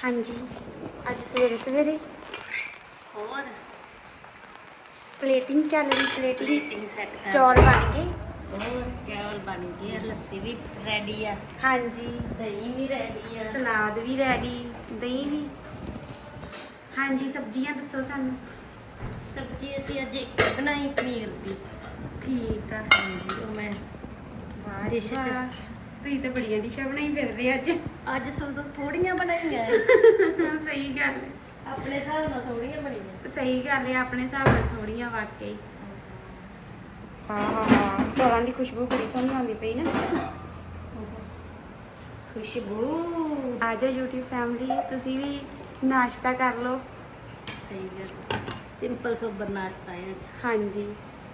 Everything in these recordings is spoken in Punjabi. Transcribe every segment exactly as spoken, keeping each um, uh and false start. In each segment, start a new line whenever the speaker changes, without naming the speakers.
हाँ जी, अज सवेरे सवेरे
और
प्लेटिंग चल रही। प्लेटिंग
प्लेटिंग सेट कर
चौल बन गए।
और चावल बन गए, लस्सी भी रेडी है,
हाँ जी,
दही भी रेडी है,
सलाद भी रेडी, दही भी। हाँ जी, सब्जियां दसो सानू।
सब्जी असी अज एक बनाई पनीर की।
ठीक है।
हाँ जी, वो मैं
वाह
डिश
जी वाह, तुसीं तो बड़ियां डिशां बनाई फिरदे अज।
अज सो थोड़ियां बनाइयां
सही गल है,
अपने हिसाब नाल थोड़ियां बनियां।
सही गल है, अपने हिसाब नाल थोड़ियां वाकई। हाँ हाँ हाँ, चौलों की खुशबू बड़ी सोहनी आती पई ना।
खुशबू
आ जाओ यूट्यूब फैमिली, तुसीं भी नाश्ता कर लो।
सही गल, सिंपल सोबर नाश्ता है अज।
हाँ जी,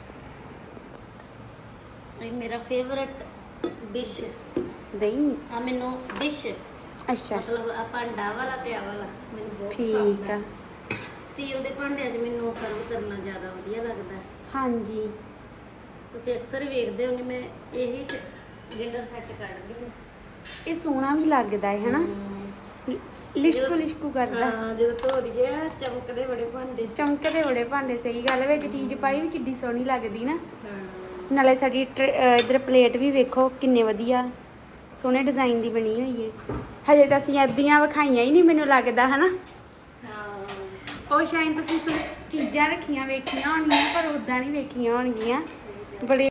ये मेरा फेवरेट डिश
दही।
आ मैनू डिश
अच्छा
मतलब आ भांडा वाला ते आ वाला मैनू बहुत
ठीक
पसंद
है।
है। स्टील ਦੇ ਭਾਂਡਿਆਂ 'ਚ ਮੈਨੂੰ ਸਰਵ ਕਰਨਾ ਜ਼ਿਆਦਾ ਵਧੀਆ ਲੱਗਦਾ ਹੈ।
हाँ जी,
ਤੁਸੀਂ ਅਕਸਰ ਹੀ ਵੇਖਦੇ ਹੋਗੇ ਮੈਂ ਇਹੀ ਡਿਨਰ ਸੈੱਟ ਕੱਢਦੀ ਹਾਂ।
ਇਹ ਸੋਹਣਾ ਵੀ ਲੱਗਦਾ ਹੈ ਹਨਾ, ਲਿਸ਼ਕੂ ਲਿਸ਼ਕੂ ਕਰਦਾ।
ਹਾਂ, ਜਦੋਂ ਧੋ ਦਈਏ ਚਮਕਦੇ ਬੜੇ ਭਾਂਡੇ।
ਚਮਕਦੇ ਬੜੇ ਭਾਂਡੇ, ਸਹੀ ਗੱਲ, ਵਿੱਚ ਚੀਜ਼ ਪਾਈ ਵੀ ਕਿੱਡੀ ਸੋਹਣੀ ਲੱਗਦੀ ਨਾ।
ਹਾਂ,
ਨਾਲੇ ਸਾਡੀ ਟਰ- ਅਹ ਇੱਧਰ ਪਲੇਟ ਵੀ ਵੇਖੋ ਕਿੰਨੇ ਵਧੀਆ ਸੋਹਣੇ ਡਿਜ਼ਾਈਨ ਦੀ ਬਣੀ ਹੋਈ ਹੈ। ਹਜੇ ਤਾਂ ਅਸੀਂ ਅੱਧੀਆਂ ਵਿਖਾਈਆਂ ਹੀ ਨਹੀਂ ਮੈਨੂੰ ਲੱਗਦਾ ਹਨਾ।
ਹਾਂ,
ਉਹ ਸ਼ਾਇਦ ਤੁਸੀਂ ਸ- ਚੀਜ਼ਾਂ ਰੱਖੀਆਂ ਵੇਖੀਆਂ ਹੋਣਗੀਆਂ ਪਰ ਉਦਾਂ ਨਹੀਂ ਵੇਖੀਆਂ ਹੋਣਗੀਆਂ। ਬੜੇ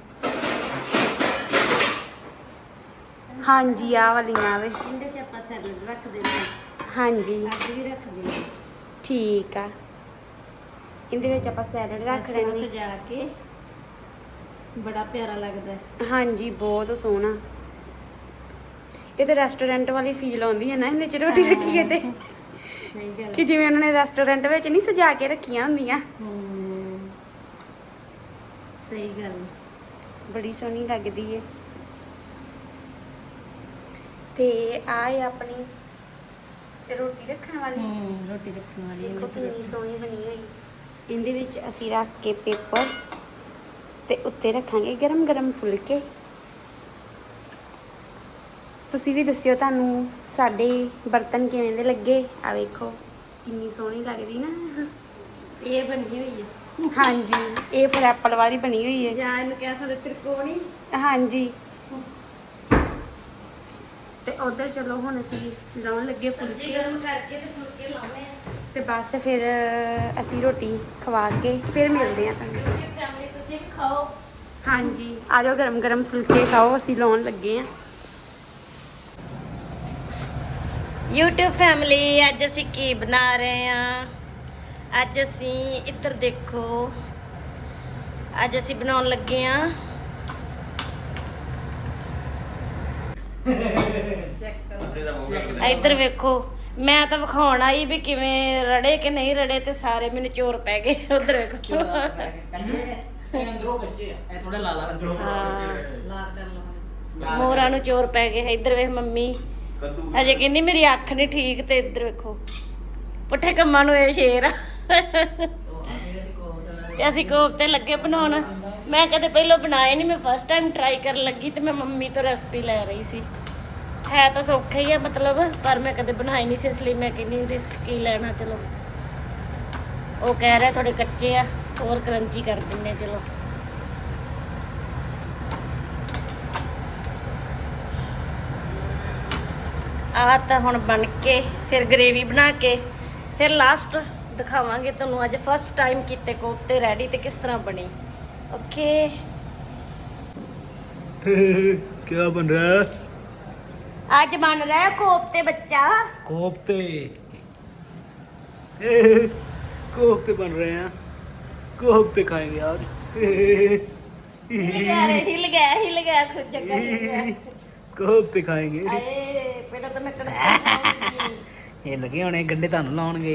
ਹਾਂਜੀ, ਆਹ ਵਾਲੀਆਂ ਵੇ।
ਇਹਦੇ 'ਚ ਆਪਾਂ ਸੈਲਡ ਰੱਖਦੇ ਹਾਂ,
ਹਾਂਜੀ
ਅੱਜ ਵੀ ਰੱਖਦੇ ਹਾਂ।
ਠੀਕ ਆ, ਇਹਦੇ ਵਿੱਚ ਆਪਾਂ ਸੈਲਡ ਰੱਖ
ਇਸ ਤਰ੍ਹਾਂ
ਲੈਣੀ।
ਸਜਾ ਕੇ ਬੜਾ ਪਿਆਰਾ ਲੱਗਦਾ ਹੈ।
ਹਾਂਜੀ, ਬਹੁਤ ਸੋਹਣਾ। ਇਹ ਤੇ ਰੈਸਟੋਰੈਂਟ ਵਾਲੀ ਫੀਲ ਆਉਂਦੀ ਹੈ ਨਾ ਇਹਦੇ ਚ ਰੋਟੀ ਰੱਖੀਏ ਤੇ,
ਸਹੀ ਗੱਲ
ਕਿ ਜਿਵੇਂ ਉਹਨਾਂ ਨੇ ਰੈਸਟੋਰੈਂਟ ਵਿੱਚ ਨਹੀਂ ਸਜਾ ਕੇ ਰੱਖੀਆਂ ਹੁੰਦੀਆਂ।
ਹਮ, ਸਹੀ ਗੱਲ।
ਬੜੀ ਸੋਹਣੀ ਲੱਗਦੀ ਹੈ। ਤੇ ਆਹ ਹੈ ਆਪਣੀ ਰੋਟੀ ਰੱਖਣ ਵਾਲੀ।
ਹਮ, ਰੋਟੀ ਰੱਖਣ ਵਾਲੀ
ਦੇਖੋ
ਇਹਦੇ 'ਚ
ਕਿੰਨੀ ਸੋਹਣੀ ਬਣੀ ਹੋਈ। ਇਹਦੇ ਵਿੱਚ ਅਸੀਂ ਰੱਖ ਕੇ ਪੇਪਰ ਤੇ ਉੱਤੇ ਰੱਖਾਂਗੇ ਗਰਮ ਗਰਮ ਫੁਲਕੇ। ਤੁਸੀਂ ਵੀ ਦੱਸਿਓ ਤੁਹਾਨੂੰ ਸਾਡੇ ਬਰਤਨ ਕਿਵੇਂ ਦੇ ਲੱਗੇ। ਆ ਵੇਖੋ ਕਿੰਨੀ ਸੋਹਣੀ ਲੱਗਦੀ ਨਾ।
ਇਹ ਬਣੀ ਹੋਈ ਹੈ,
ਹਾਂਜੀ, ਇਹ ਫਿਰ ਐਪਲ ਵਾਲੀ ਬਣੀ ਹੋਈ ਹੈ।
ਜਾਂ ਇਹਨੂੰ ਕਹਿ ਸਕਦੇ ਤ੍ਰਿਕੋਣੀ।
ਹਾਂਜੀ, ਤੇ ਉਧਰ ਚਲੋ ਹੁਣ ਅਸੀਂ ਲਾਉਣ ਲੱਗੇ
ਸਬਜ਼ੀ
ਫੁਲਕੇ
ਗਰਮ ਕਰਕੇ ਤੇ ਫੁਲਕੇ ਲਾਉਣੇ ਆ।
ਤੇ ਬਸ ਫਿਰ ਅਸੀਂ ਰੋਟੀ ਖਵਾ ਕੇ ਫਿਰ ਮਿਲਦੇ ਆ ਤੁਹਾਨੂੰ।
YouTube ਫੈਮਿਲੀ ਤੁਸੀਂ ਵੀ ਖਾਓ।
ਹਾਂਜੀ, ਆ ਜਾਓ ਗਰਮ ਗਰਮ ਫੁਲਕੇ ਖਾਓ, ਅਸੀਂ ਲਾਉਣ ਲੱਗੇ ਆ।
YouTube ਫੈਮਿਲੀ ਅੱਜ ਅਸੀਂ ਕੀ ਬਣਾ ਰਹੇ ਆ? ਅੱਜ ਅਸੀਂ ਇੱਧਰ ਦੇਖੋ, ਅੱਜ ਅਸੀਂ ਬਣਾਉਣ ਲੱਗੇ ਆ ਇੱਧਰ ਵੇਖੋ। ਮੈਂ ਤਾਂ ਵਿਖਾਉਣ ਆਈ ਵੀ ਕਿਵੇਂ ਰੜੇ ਕਿ ਨਹੀਂ ਰੜੇ ਤੇ ਸਾਰੇ ਮੈਨੂੰ ਚੋਰ ਪੈ ਗਏ। ਉਧਰ ਵੇਖੋ।
ਅੰਦਰੋਂ ਕੱਚੇ ਆ ਇਹ ਥੋੜਾ ਲਾਲਾ ਅੰਦਰੋਂ
ਹਾਂ,
ਲਾਲ ਕਰ ਲਵਾਂ।
ਮੋਰਾਂ ਨੂੰ ਚੋਰ ਪੈ ਗਏ। ਇੱਧਰ ਵੇਖ ਮੰਮੀ ਅਜੇ ਕਹਿੰਦੀ ਮੇਰੀ ਅੱਖ ਨਹੀਂ ਠੀਕ, ਤੇ ਇੱਧਰ ਵੇਖੋ ਪੁੱਠੇ ਕੰਮਾਂ ਨੂੰ ਇਹ ਸ਼ੇਰ ਆ। ਤੇ ਅਸੀਂ ਕੋਫਤੇ ਲੱਗੇ ਬਣਾਉਣ। ਮੈਂ ਕਦੇ ਪਹਿਲਾਂ ਬਣਾਏ ਨਹੀਂ, ਮੈਂ ਫਸਟ ਟਾਈਮ ਟਰਾਈ ਕਰਨ ਲੱਗੀ ਤੇ ਮੈਂ ਮੰਮੀ ਤੋਂ ਰੈਸਪੀ ਲੈ ਰਹੀ ਸੀ। ਹੈ ਤਾਂ ਸੌਖਾ ਹੀ ਆ ਮਤਲਬ, ਪਰ ਮੈਂ ਕਦੇ ਬਣਾਈ ਨਹੀਂ ਸੀ, ਇਸ ਲਈ ਮੈਂ ਕਹਿੰਦੀ ਰਿਸਕ ਕੀ ਲੈਣਾ। ਚਲੋ ਉਹ ਕਹਿ ਰਿਹਾ ਥੋੜੇ ਕੱਚੇ ਆ, ਹੋਰ ਕਰੰਚੀ ਕਰ ਦਿੰਦੇ ਆ। ਚਲੋ ਆਹ ਤਾਂ ਹੁਣ ਬਣ ਕੇ ਫਿਰ ਗ੍ਰੇਵੀ ਬਣਾ ਕੇ ਫਿਰ ਲਾਸਟ ਦਿਖਾਵਾਂਗੇ ਤੁਹਾਨੂੰ ਅੱਜ ਫਸਟ ਟਾਈਮ ਕੀਤੇ ਕੋਫਤੇ ਰੈਡੀ ਤੇ ਕਿਸ ਤਰ੍ਹਾਂ ਬਣੀ। ਓਕੇ,
क्या बन रहा है?
ਅੱਜ ਬਣ ਰਿਹਾ ਕੋਫਤੇ ਬੱਚਾ।
कोफ्ते कोफ्ते बन रहे हैं, कोफ्ते खाएंगे यार।
ਹਿਲ ਗਿਆ ਰੇ, ਹਿਲ ਗਿਆ ਹਿਲ ਗਿਆ ਖੁਦ ਜਗ੍ਹਾ ਹਿਲ ਗਿਆ।
कोफ्ते खाएंगे।
ਆਏ ਪਹਿਲਾਂ ਤਾਂ ਮੈਂ ਕੜਾਈ
ਇਹ ਲੱਗੇ ਹੋਣੇ ਗੰਡੇ ਤੁਹਾਨੂੰ ਲਾਉਣਗੇ।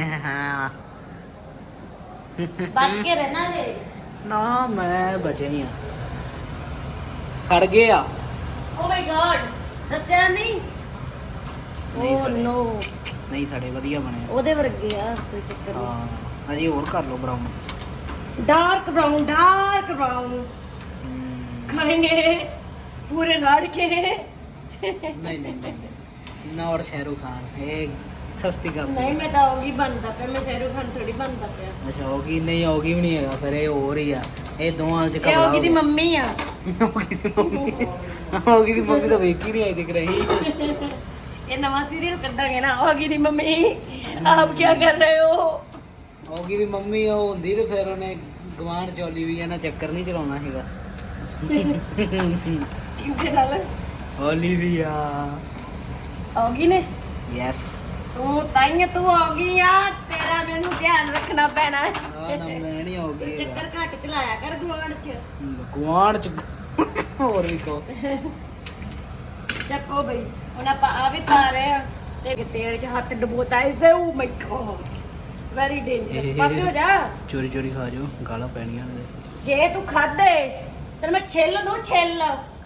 ਬਚ ਕੇ ਰਹਿਣਾ ਰੇ।
ਨਾ ਮੈਂ ਬਚੇ ਹੀ ਆ, ਸੜ ਗਏ ਆ।
ਓ ਮਾਈ ਗॉड, ਦੱਸਿਆ ਨਹੀਂ।
ਨਹੀਂ
ਓ
ਸੜੇ।
ਨੋ,
ਨਹੀਂ ਸਾਡੇ ਵਧੀਆ ਬਣੇ।
ਉਹਦੇ ਵਰਗੇ ਆ, ਕੋਈ ਚੱਕਰ ਨਹੀਂ।
ਹਾਂ ਅਜੇ ਹੋਰ ਕਰ ਲਓ brown.
Dark brown, dark brown खाएंगे पूरे राड़ के।
नहीं नहीं नहीं ना, और शाहरुख खान ये ਸਸਤੀ ਕਰ
ਨਹੀਂ ਮੈਂ ਤਾਂ ਔਗੀ ਬਣਦਾ ਪਿਆ, ਮੈਂ ਸ਼ਾਹਰੁਖ ਖਾਨ ਥੋੜੀ ਬਣਦਾ ਪਿਆ।
ਅੱਛਾ ਔਗੀ ਨਹੀਂ ਔਗੀ ਵੀ ਨਹੀਂ ਹੈਗਾ, ਫਿਰ ਇਹ ਹੋਰ ਹੀ ਆ, ਇਹ ਦੋਵਾਂ ਚ
ਇਹ
ਕਬਲਾ
ਔਗੀ ਦੀ ਮੰਮੀ ਆ।
ਔਗੀ ਦੀ ਮੰਮੀ ਔਗੀ ਦੀ ਮੰਮੀ ਤਾਂ ਵੇਖ ਹੀ ਨਹੀਂ ਆਈ ਦਿਖ ਰਹੀ।
ਇਹ ਨਵਾਂ ਸੀਰੀਅਲ ਕੱਢਾਂਗੇ ਨਾ, ਔਗੀ ਦੀ ਮੰਮੀ ਆਪ ਕੀ ਕਰ ਰਹੇ ਹੋ।
ਔਗੀ ਦੀ ਮੰਮੀ ਉਹ ਹੁੰਦੀ ਤੇ ਫਿਰ ਉਹਨੇ ਗਵਾਂਢ ਚੋਲੀ ਵੀ ਇਹਨਾਂ ਚੱਕਰ ਨਹੀਂ ਚਲਾਉਣਾ ਹੈਗਾ।
ਕਿਹਦੇ ਨਾਲ?
ਓਲੀਵੀਆ।
ਔਗੀ ਨੇ?
ਯੈਸ।
ਤੂੰ ਤਾਈਂ ਤੂੰ ਔਗੀ ਆ, ਤੇਰਾ ਮੈਨੂੰ ਧਿਆਨ ਰੱਖਣਾ ਪੈਣਾ।
ਨਾ ਨਾ ਮੈਂ ਨਹੀਂ ਔਗੀ।
ਚੱਕਰ ਘੱਟ ਚਲਾਇਆ ਕਰ ਗਵਾਂਢ ਚ।
ਗਵਾਂਢ ਚ ਹੋਰ ਵੀ ਕੋ
ਚੱਕੋ ਬਈ, ਹੁਣ ਆਪਾਂ ਆ ਵੀ ਪਾ ਰਹੇ ਆ ਤੇ ਤੇਲ ਚ ਹੱਥ ਡਬੋਤਾ ਇਸੇ। Oh my god, very dangerous. ਪਾਸੇ ਹੋ ਜਾ।
ਚੋਰੀ ਚੋਰੀ ਖਾ ਜਾਓ, ਗਾਲਾਂ ਪੈਣੀਆਂ ਨੇ।
ਜੇ ਤੂੰ ਖਾਦੇ ਤੇ ਮੈਂ ਛਿੱਲ ਨੂੰ ਛਿੱਲ,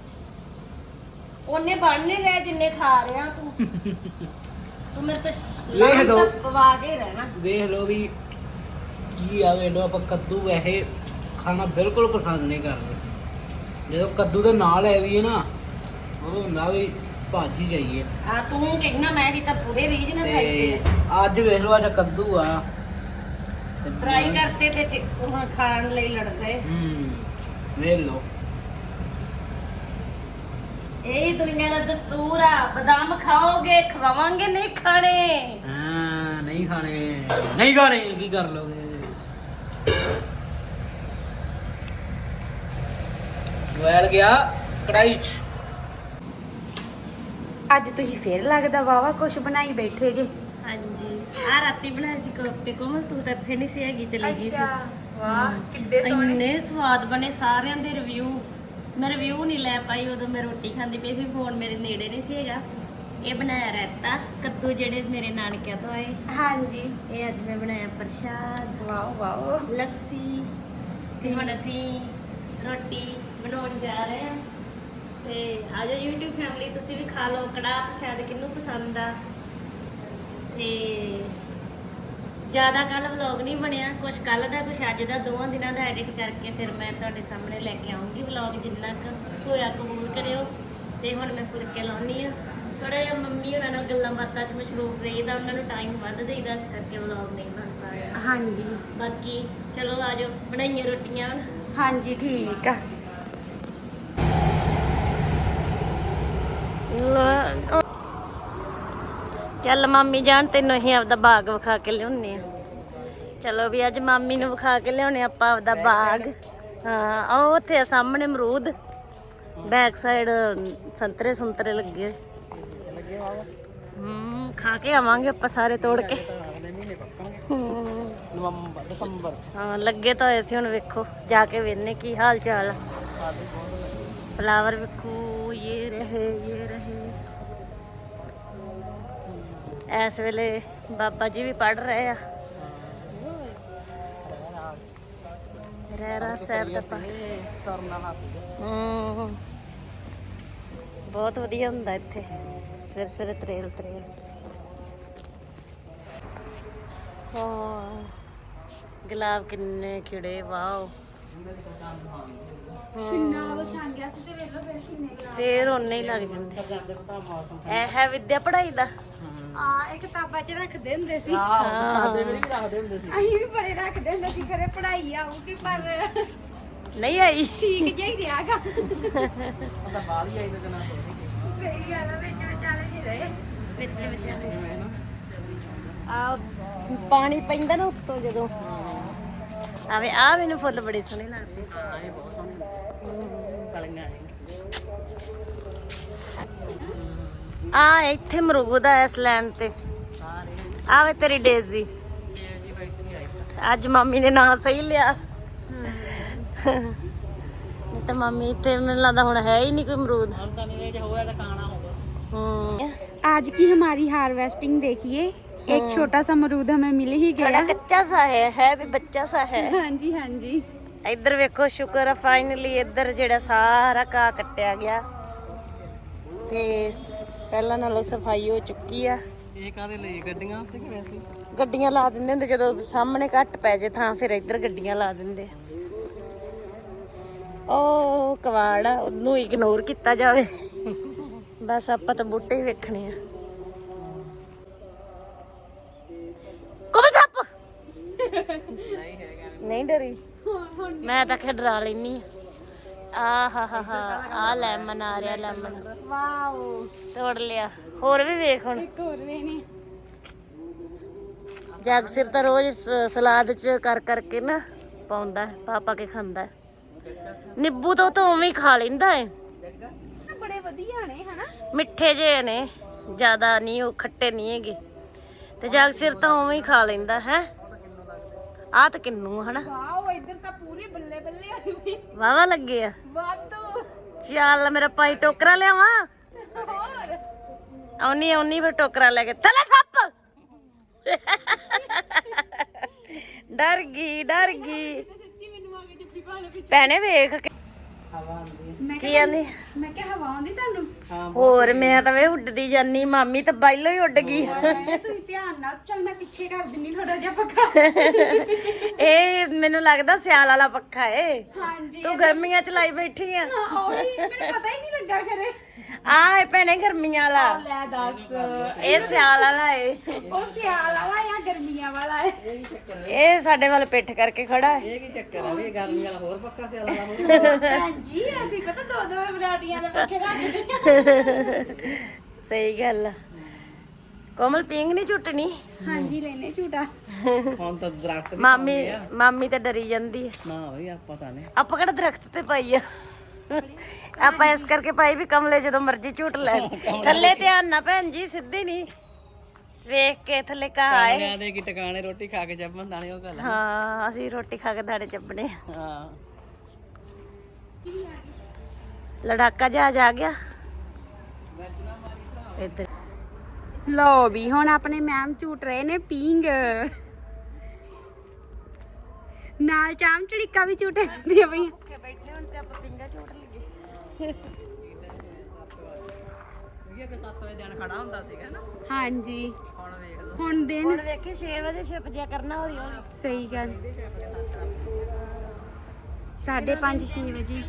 ਉਹਨੇ ਬਣ ਨਹੀਂ ਰਿਹਾ ਜਿੰਨੇ ਖਾ ਰਿਹਾ ਤੂੰ। ਤੂੰ ਮੇਰੇ ਤੋਂ
ਵੇਖ ਲਓ।
ਪਵਾ ਕੇ ਰਹਿਣਾ।
ਦੇਖ ਲਓ ਵੀ ਕੀ ਆ, ਵੇਖ ਲਓ ਆਪਾਂ ਕੱਦੂ ਵੈਸੇ ਖਾਣਾ ਬਿਲਕੁਲ ਪਸੰਦ ਨਹੀਂ ਕਰਦੇ। ਜਦੋਂ ਕੱਦੂ ਦੇ ਨਾਲ ਹੈ ਵੀ ਨਾ, ਉਦੋਂ ਹੁੰਦਾ ਵੀ ਭਾਜੀ ਜਾਈਏ।
ਆ ਤੂੰ ਕਹਿਣਾ ਮੈਂ ਵੀ ਤਾਂ ਪੂਰੇ ਰੀਜ ਨਾਲ ਖਾਈ
ਤੇ ਅੱਜ ਵੇਖ ਲਓ, ਅੱਜ ਕੱਦੂ ਆ ਤੇ
ਫਰਾਈ ਕਰਤੇ ਤੇ ਤੇ ਉਹ ਖਾਣ ਲਈ ਲੜਦੇ।
ਹੂੰ ਵੇਖ ਲਓ,
ਇਹ ਦੁਨੀਆ ਦਾ ਦਸਤੂਰ ਆ। ਬਦਾਮ ਖਾਓਗੇ, ਖਵਾਵਾਂਗੇ, ਨਹੀਂ ਖਾਣੇ।
ਹਾਂ ਨਹੀਂ ਖਾਣੇ, ਨਹੀਂ ਖਾਣੇ ਕੀ ਕਰ ਲੋਗੇ। ਵੈਲ ਗਿਆ ਕੜਾਈ ਚ।
ਅੱਜ ਤੁਸੀਂ ਫੇਰ ਲੱਗਦਾ ਵਾਵਾ ਕੁਛ ਬਣਾਈ ਬੈਠੇ ਜੇ।
ਹਾਂਜੀ, ਆ ਰਾਤੀ ਬਣਾਏ ਸੀ ਕੋਫਤੇ। ਕੋਮਲ ਤੂੰ ਤਾਂ ਇੱਥੇ ਨਹੀਂ ਸੀ ਹੈਗੀ, ਚਲੀ ਗਈ ਸੀ।
ਵਾਹ ਕਿੱਡੇ
ਇੰਨੇ ਸਵਾਦ ਬਣੇ, ਸਾਰਿਆਂ ਦੇ ਰਿਵਿਊ। ਮੈਂ ਰਿਵਿਊ ਨਹੀਂ ਲੈ ਪਾਈ, ਉਦੋਂ ਮੈਂ ਰੋਟੀ ਖਾਂਦੀ ਪਈ ਸੀ, ਫੋਨ ਮੇਰੇ ਨੇੜੇ ਨਹੀਂ ਸੀ ਹੈਗਾ। ਇਹ ਬਣਾਇਆ ਰਾਇਤਾ ਕੱਦੂ, ਜਿਹੜੇ ਮੇਰੇ ਨਾਨਕਿਆਂ ਤੋਂ ਆਏ।
ਹਾਂਜੀ।
ਇਹ ਅੱਜ ਮੈਂ ਬਣਾਇਆ ਪ੍ਰਸ਼ਾਦ,
ਵਾਓ ਵਾਓ।
ਲੱਸੀ। ਤੇ ਹੁਣ ਅਸੀਂ ਰੋਟੀ ਬਣਾਉਣ ਜਾ ਰਹੇ ਹਾਂ। ਤੇ ਆ ਜਾਓ YouTube ਫੈਮਿਲੀ, ਤੁਸੀਂ ਵੀ ਖਾ ਲਓ ਕੜਾਹ ਪ੍ਰਸ਼ਾਦ, ਕਿਹਨੂੰ ਪਸੰਦ ਆ। ਤੇ ਜ਼ਿਆਦਾ ਕੱਲ ਵਲੌਗ ਨਹੀਂ ਬਣਿਆ, ਕੁਛ ਕੱਲ ਦਾ ਕੁਛ ਅੱਜ ਦਾ, ਦੋਵਾਂ ਦਿਨਾਂ ਦਾ ਐਡਿਟ ਕਰਕੇ ਫਿਰ ਮੈਂ ਤੁਹਾਡੇ ਸਾਹਮਣੇ ਲੈ ਕੇ ਆਉਂਗੀ ਵਲੌਗ। ਜਿੰਨਾ ਕੁ ਹੋਇਆ ਕਬੂਲ ਕਰਿਓ। ਤੇ ਹੁਣ ਮੈਂ ਫੁਲਕੇ ਲਾਉਣੀ ਆ। ਥੋੜਾ ਜਿਹਾ ਮੰਮੀ ਉਹਨਾਂ ਨਾਲ ਗੱਲਾਂ ਬਾਤਾਂ 'ਚ ਮਸ਼ਰੂਫ ਰਹੀਦਾ, ਉਹਨਾਂ ਨੂੰ ਟਾਈਮ ਵੱਧ ਦੇਈਦਾ, ਇਸ ਕਰਕੇ ਵਲੌਗ ਨਹੀਂ ਬਣ ਪਾ ਰਿਹਾ।
ਹਾਂਜੀ
ਬਾਕੀ ਚਲੋ ਆ ਜਾਓ, ਬਣਾਈਆਂ ਰੋਟੀਆਂ ਹੁਣ।
ਹਾਂਜੀ ਠੀਕ ਆ।
ਚੱਲ ਮਾਮੀ ਜਾਣ, ਤੈਨੂੰ ਅਸੀਂ ਆਪਦਾ ਬਾਗ ਵਿਖਾ ਕੇ ਲਿਆਉਣੇ ਆ। ਚਲੋ ਵੀ ਅੱਜ ਮਾਮੀ ਨੂੰ ਵਿਖਾ ਕੇ ਲਿਆਉਣੇ ਆਪਾਂ ਆਪਦਾ ਬਾਗ। ਹਾਂ ਉਹ ਉੱਥੇ ਆ ਸਾਹਮਣੇ ਅਮਰੂਦ, ਬੈਕ ਸਾਈਡ ਸੰਤਰੇ ਸੰਤਰੇ ਲੱਗੇ। ਹੂੰ ਖਾ ਕੇ ਆਵਾਂਗੇ ਆਪਾਂ ਸਾਰੇ ਤੋੜ ਕੇ।
ਨਵੰਬਰ ਦਸੰਬਰ
ਹਾਂ ਲੱਗੇ ਤਾਂ ਹੋਏ ਸੀ, ਹੁਣ ਵੇਖੋ ਜਾ ਕੇ ਵੇਖਨੇ ਕੀ ਹਾਲ ਚਾਲ ਆ। ਫਲਾਵਰ ਵੇਖੋ, ਇਹ ਰਹੇ ਇਹ ਰਹੇ। ਇਸ ਵੇਲੇ ਬਾਬਾ ਜੀ ਵੀ ਪੜ ਰਹੇ ਆ ਰਹਿਰਾ ਸਾਹਿਬ ਦਾ ਪਾਠ। ਹੂੰ ਬਹੁਤ ਵਧੀਆ ਹੁੰਦਾ ਇੱਥੇ ਸਵੇਰੇ ਸਵੇਰੇ ਤਰੇਲ ਤਰੇਲ। ਹਾਂ ਗੁਲਾਬ ਕਿੰਨੇ ਖਿੜੇ, ਵਾਓ।
ਕਿੰਨਾ ਉਹ ਛਾਂਗਿਆ ਸੀ ਤੇ ਵੇਖ ਲਓ ਫਿਰ ਕਿੰਨੇ ਗਲਾਸ।
ਫੇਰ ਉਹਨੇ ਹੀ ਲੱਗ ਜਾਂਦੇ। ਇਹ ਹੈ ਵਿਦਿਆ ਪੜ੍ਹਾਈ ਦਾ।
ਆ ਇਹ ਕਿਤਾਬਾਂ 'ਚ ਰੱਖਦੇ ਹੁੰਦੇ ਸੀ।
ਹਾਂ ਦੇ ਵੀ ਰੱਖਦੇ ਹੁੰਦੇ ਸੀ।
ਅਸੀਂ ਵੀ ਬੜੇ ਰੱਖਦੇ ਹੁੰਦੇ ਸੀ, ਘਰੇ ਪੜ੍ਹਾਈ ਆਊਗੀ ਪਰ
ਨਹੀਂ ਆਈ।
ਠੀਕ ਜਿਹਾ ਹੀ ਰਿਹਾ ਗਾ।
ਉਹਦਾ ਬਾਲ ਹੀ ਆਈ ਤਾਂ ਜਨਾ
ਸਹੀ ਗੱਲ ਆ, ਵਿੱਚ ਵਿਚਾਲੇ ਜੀ ਰਹੇ।
ਵਿੱਚ ਵਿਚਾਲੇ ਆ ਪਾਣੀ ਪੈਂਦਾ ਨਾ ਉੱਤੋਂ ਜਦੋਂ ਆਵੇ। ਆ ਮੈਨੂੰ ਫੁੱਲ ਬੜੇ ਸੋਹਣੇ ਲੱਗਦੇ।
ਹਾਂ ਇਹ ਬਹੁਤ ਸੋਹਣੇ ਕਲੀਆਂ
ਆ ਇੱਥੇ ਅਮਰੂਦ ਆ ਇਸ ਲੈਣ ਤੇ। ਆਵੇ ਤੇਰੀ ਡੇਜ਼ੀ
ਜੀ ਬੈਠੀ ਆਈ।
ਅੱਜ ਮਾਮੀ ਨੇ ਨਾਂ ਸਹੀ ਲਿਆ। ਨਹੀਂ ਤਾਂ ਮਾਮੀ ਇੱਥੇ ਮੈਨੂੰ ਲੱਗਦਾ ਹੁਣ ਹੈ ਹੀ ਨਹੀਂ ਕੋਈ ਅਮਰੂਦ।
ਹੁਣ ਤਾਂ ਨਹੀਂ, ਜੇ ਹੋਇਆ ਤਾਂ ਖਾਣਾ ਹੋਗਾ।
ਹੂੰ
आज की हमारी हार्वेस्टिंग देखिए, एक छोटा सा अमरूद हमें मिल ही
थोड़ा
गया।
कच्चा सा है है भी बच्चा सा है।
हाँ जी हाँ जी।
ਇੱਧਰ ਵੇਖੋ ਸ਼ੁਕਰ ਆ ਫਾਈਨਲੀ ਇੱਧਰ ਜਿਹੜਾ ਸਾਰਾ ਘਾਹ ਕੱਟਿਆ ਗਿਆ ਤੇ ਪਹਿਲਾਂ ਨਾਲੋਂ ਸਫਾਈ ਹੋ ਚੁੱਕੀ ਆ।
ਇਹ ਕਾਹਦੇ ਲਈ ਗੱਡੀਆਂ ਵਾਸਤੇ ਕਿ ਵੈਸੇ?
ਗੱਡੀਆਂ ਲਾ ਦਿੰਦੇ ਹੁੰਦੇ ਜਦੋਂ ਸਾਹਮਣੇ ਘੱਟ ਪੈ ਜੇ ਥਾਂ, ਫਿਰ ਇੱਧਰ ਗੱਡੀਆਂ ਲਾ ਦਿੰਦੇ। ਉਹ ਕਵਾੜ ਆ, ਉਹਨੂੰ ਇਗਨੋਰ ਕੀਤਾ ਜਾਵੇ। ਬਸ ਆਪਾਂ ਤਾਂ ਬੂਟੇ ਹੀ ਵੇਖਣੇ ਆ। ਕੋਮਲ ਸੱਪ ਨਹੀਂ ਡਰੀ ਮੈਂ ਤਾਂ ਕਿ ਡਰਾ ਲੈਣੀ ਆ ਹਾ ਹਾ ਹਾ ਆ ਲੈਮਨ ਆ ਰਿਹਾ ਲੈਮਨ
ਵਾਓ
ਤੋੜ ਲਿਆ ਹੋਰ ਵੀ ਵੇਖ ਹੁਣ
ਇੱਕ ਹੋਰ ਵੀ ਨੇ
ਜਗ ਸਿਰ ਤਾਂ ਰੋਜ਼ ਸ- ਸਲਾਦ ਚ ਕਰ ਕਰਕੇ ਨਾ ਪਾਉਂਦਾ ਹੈ, ਪਾ ਪਾ ਕੇ ਖਾਂਦਾ ਹੈ। ਨਿੰਬੂ ਤੋਂ ਤਾਂ ਉਵੇਂ ਹੀ ਖਾ ਲੈਂਦਾ ਹੈ
ਬੜੇ ਵਧੀਆ ਨੇ ਹਨਾ
ਮਿੱਠੇ ਜਿਹੇ ਨੇ ਜ਼ਿਆਦਾ ਨਹੀਂ ਉਹ ਖੱਟੇ ਨਹੀਂ ਹੈਗੇ ਤੇ ਜਗ ਸਿਰ ਤਾਂ ਉਵੇਂ ਹੀ ਖਾ ਲੈਂਦਾ ਹੈ ਆ ਤਾਂ ਕਿੰਨੂ ਹਨਾ
ਵਾਓ ਇੱਧਰ ਤਾਂ ਪੂਰੀ ਬੱਲੇ ਬੱਲੇ ਹੋਈ ਪਈ
ਵਾਵਾ ਲੱਗੇ ਆ
ਵਾਧੂ
ਚੱਲ ਮੇਰਾ ਭਾਈ ਟੋਕਰਾ ਲਿਆਵਾਂ
ਹੋਰ
ਆਉਣੀ ਆਉਣੀ ਫਿਰ ਟੋਕਰਾ ਲੈ ਕੇ ਥੱਲੇ ਸੱਪ ਡਰ ਗਈ ਡਰ ਗਈ ਭੈਣੇ ਵੇਖ ਕੇ
ਮੈਂ
ਕੀ ਆਂਦੀ
ਮੈਂ ਕਿਹਾ ਹਵਾ ਆਉਂਦੀ ਤੁਹਾਨੂੰ
ਹੋਰ ਮੈਂ ਤਾਂ ਵੇ ਉੱਡਦੀ ਜਾਨੀ ਮਾਮੀ ਤਾਂ ਬਾਈਲੋ ਹੀ ਉੱਡ ਗਈ
ਮੈਂ ਤੁਸੀਂ ਧਿਆਨ ਨਾਲ ਚੱਲ ਮੈਂ ਪਿੱਛੇ ਕਰ ਦਿੰਨੀ ਥੋੜਾ ਜਿਹਾ ਪੱਖਾ
ਇਹ ਮੈਨੂੰ ਲੱਗਦਾ ਸਿਆਲ ਵਾਲਾ ਪੱਖਾ ਏ
ਹਾਂਜੀ
ਤੂੰ ਗਰਮੀਆਂ ਚ ਲਾਈ ਬੈਠੀ ਆ
ਉਹੀ ਮੈਨੂੰ ਪਤਾ ਹੀ ਨਹੀਂ ਲੱਗਾ ਖਰੇ
ਆਹ ਏ ਭੈਣੇ ਗਰਮੀਆਂ ਵਾਲਾ
ਲੈ ਦੱਸ
ਇਹ ਸਿਆਲ ਵਾਲਾ ਏ
ਉਹ ਸਿਆਲ ਵਾਲਾ ਜਾਂ ਗਰਮੀਆਂ ਵਾਲਾ ਹੈ
ਇਹ ਸਾਡੇ ਵੱਲ ਪਿੱਠ ਕਰਕੇ ਖੜਾ ਹੈ
ਇਹ ਕੀ ਚੱਕਰ ਆ ਵੀ ਗਰਮੀ ਵਾਲਾ ਹੋਰ ਪੱਕਾ ਸਿਆਲ ਵਾਲਾ ਹੋਰ
ਭੈਣ ਜੀ ਅਸੀਂ ਪਤਾ ਦੋ ਦੋ ਵੈਰਾਈਟੀਆਂ ਦੇ ਪੱਖੇ ਰੱਖਦੇ
ਸਹੀ ਗੱਲ ਆ ਕੋਮਲ ਪਿੰਗ ਨਹੀਂ ਝੁੱਟਣੀ
ਹਾਂਜੀ ਲੈਨੇ ਝੂਟਾ
ਹੁਣ ਤਾਂ ਦਰਖਤ ਵੀ
ਮਾਮੀ ਮਾਮੀ ਤਾਂ ਡਰੀ ਜਾਂਦੀ ਹੈ
ਨਾ ਹੋਈ ਆਪਾਂ ਤਾਂ ਨੇ
ਆਪਾਂ ਕਿਹੜਾ ਦਰਖਤ ਤੇ ਪਾਈ ਆ ਆਪਾਂ ਇਸ ਕਰਕੇ ਪਾਈ ਵੀ ਕਮਲੇ ਜਦੋਂ ਮਰਜ਼ੀ ਝੂਟ ਲੈਣ ਥੱਲੇ ਧਿਆਨ ਨਾ ਭੈਣ ਜੀ ਸਿੱਧੀ ਨਹੀਂ ਵੇਖ ਕੇ ਥੱਲੇ ਕਾ ਆਏ
ਕਾਲਿਆਂ ਦੇ ਕੀ ਟਿਕਾਣੇ ਰੋਟੀ ਖਾ ਕੇ ਜੰਮਣ ਦਾਣੇ ਉਹ ਗੱਲ ਆ।
ਹਾਂ ਅਸੀਂ ਰੋਟੀ ਖਾ ਕੇ ਦਾਣੇ ਚੱਬਣੇ
ਹਾਂ
ਲੜਾਕਾ ਜਹਾਜ਼ ਆ ਗਿਆ ਇੱਧਰ
ਲਓ ਵੀ ਹੁਣ ਆਪਣੇ ਮੈਮ ਝੂਟ ਰਹੇ ਨੇ ਪੀਂਗ ਨਾਲ ਚਾਮ ਚੜੀਕਾ ਵੀ ਝੂਟੇ ਦਿੰਦੀਆਂ ਪਈਆਂ
ਬੈਠੇ ਹੁਣ ਤੇ ਆਪਾਂ ਪਿੰਗਾ ਝੂਟ ਲਈਏ
ਇਹ ਕਿ ਸੱਤ ਵਜੇ ਦਿਨ ਖੜਾ ਹੁੰਦਾ ਸੀਗਾ ਨਾ
ਹਾਂਜੀ
ਹੁਣ ਵੇਖ ਲਓ
ਹੁਣ ਦਿਨ
ਹੁਣ ਵੇਖੀ ਛੇ ਵਜੇ ਛਿਪ ਜਿਆ ਕਰਨਾ ਹੌਲੀ ਹੌਲੀ
ਸਹੀ ਗੱਲ ਸਾਢੇ ਪੰਜ ਛੇ ਵਜੇ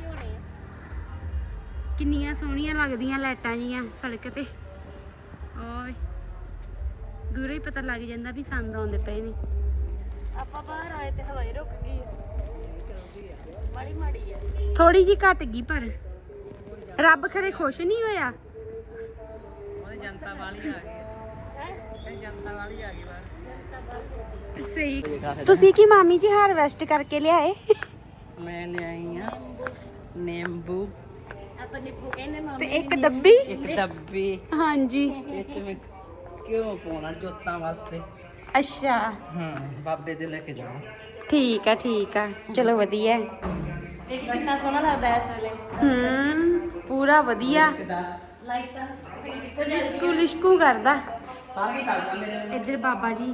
ਕਿੰਨੀਆਂ ਸੋਹਣੀਆਂ ਲੱਗਦੀਆਂ ਲਾਈਟਾਂ ਜੀਆਂ ਸੜਕ ਤੇ ਓਏ ਦੂਰੋਂ ਹੀ ਪਤਾ ਲੱਗ ਜਾਂਦਾ ਵੀ ਸੰਦ ਆਉਂਦੇ ਪਏ ਨੇ
ਆਪਾਂ ਬਾਹਰ ਆਏ ਤੇ ਹਵਾਈ ਰੁਕ ਗਈ ਮਾੜੀ ਮਾੜੀ ਆ
ਥੋੜੀ ਜੀ ਘਟ ਗਈ ਪਰ ਰੱਬ ਖਰੇ ਖੁਸ਼ ਨਹੀਂ ਹੋਇਆ
ਉਹਦੀ ਜਨਤਾ ਵਾਲੀ ਆ ਗਈ ਇਹ ਜਨਤਾ ਵਾਲੀ ਆ ਗਈ ਬਾਹਰ
ਸਹੀ ਤੁਸੀਂ ਕੀ ਮਾਮੀ ਜੀ ਹਾਰਵੈਸਟ ਕਰਕੇ ਲਿਆਏ
ਮੈਂ ਲਿਆਈ ਆ ਨਿੰਬੂ
ਆਪਾਂ ਨਿੱਪੂ ਕਹਿੰਦੇ ਮਾਮੀ
ਤੇ ਇੱਕ ਡੱਬੀ
ਇੱਕ ਡੱਬੀ
ਹਾਂਜੀ
ਇਸ ਚ ਮੈਂ ਕਿਉਂ ਪਾਉਣਾ ਜੋਤਾਂ ਵਾਸਤੇ
ਅੱਛਾ
ਹਾਂ ਬਾਬੇ ਦੇ ਲੈ ਕੇ ਜਾਣਾ
ਠੀਕ ਆ ਠੀਕ ਆ ਚਲੋ ਵਧੀਆ
ਇਹ ਕਿੰਨਾ ਸੋਹਣਾ ਲੱਗਦਾ ਇਸ ਵੇਲੇ
ਹੂੰ ਪੂਰਾ ਵਧੀਆ
ਲਾਈਟਾਂ
ਲਿਸ਼ਕੂ ਲਿਸ਼ਕੂ ਕਰਦਾ
ਸਾਰੇ ਕੀ ਕਰ ਜਾਂਦੇ ਨੇ
ਇੱਧਰ ਬਾਬਾ ਜੀ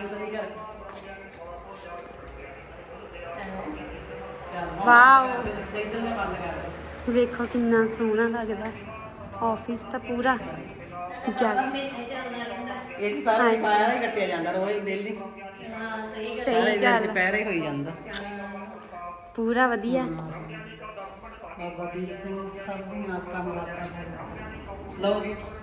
ਵਾਓ
ਇੱਧਰ ਨੇ ਬੰਦ ਕਰ
ਵੇਖੋ ਕਿੰਨਾ ਸੋਹਣਾ ਲੱਗਦਾ ਆਫਿਸ ਤਾਂ ਪੂਰਾ ਜਗ
ਇਹ ਚ ਸਾਰਾ ਚਪਾਇਆ ਹੀ ਕੱਟਿਆ ਜਾਂਦਾ ਰੋਜ਼ ਡੇਲੀ
ਹਾਂ ਸਹੀ
ਸਾਰੇ
ਸਹੀ
ਦਿਨ
ਗੱਲ
ਚਪਹਿਰੇ ਹੋਈ ਜਾਂਦਾ
ਪੂਰਾ ਵਧੀਆ
ਬਾਬਾ ਦੀਪ ਸਿੰਘ ਸਭ ਦੀਆਂ ਆਸਾਂ ਮੁਰਾਦਾਂ ਲਓ ਜੀ